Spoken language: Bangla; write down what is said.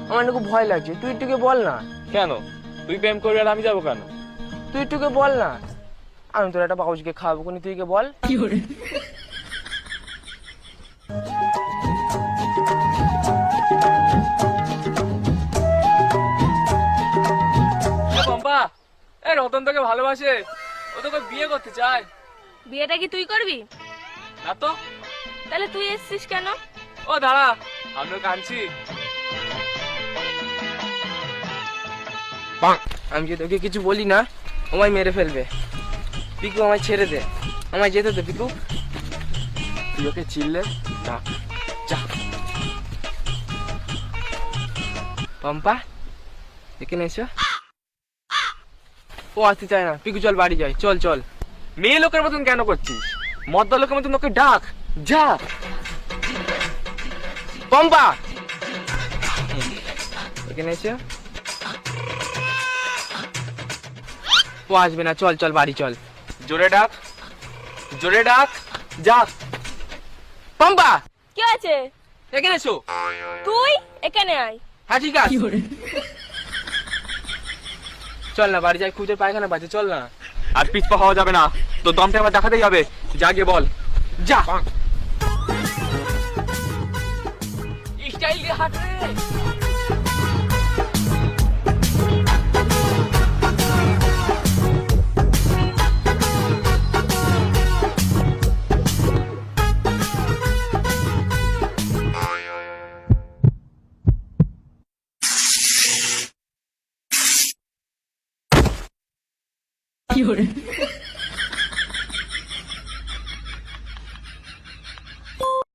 আমার একটু ভয় লাগছে, তুই একটুকে বল না। কেন? তুই প্রেম করবি আর আমি যাবো কেন? তুই একটুকে বল না, আমি তোর একটা বাবুজিকে খাওয়াবো কোনি, তুই কে বল। পম্পা, এ রতন তোকে ভালোবাসে, ও তোকে বিয়ে করতে চায়। বিয়েটা কি তুই করবি? না তো। তাহলে তুই এসছিস কেন? ও দাঁড়া, আমিও কাঁদছি। আমি যদি ওকে কিছু বলি না, আমায় মেরে ফেলবে। পিকু আমায় ছেড়ে দে, আমায় যেতে দে পিকু। তুই ওকে চিনলে ডাক, যা। পম্পা এখানে এসো। ও আসতে চায় না, পিকু চল বাড়ি যাই, চল চল। মেয়ে লোকের মতন কেন করছিস? মদ্দা লোকের মতন ওকে ডাক, যা। পম্পা এখানে এসো। ও আসবে না, চল চল বাড়ি চল। জোরে ডাক, জোরে ডাক, যা। পম্পা কি আছে? এখানে এসো। তুই এখানে আয়। হ্যাঁ ঠিক আছে, চল না বাড়ি যাই, খুঁজে পায়খানা বাজে, চল না। আর পিছপা হওয়া যাবে না, তোর দমটা আবার দেখাতেই হবে। যা গিয়ে বল, যা। স্টাইল দিয়ে হাঁট রে। কি hore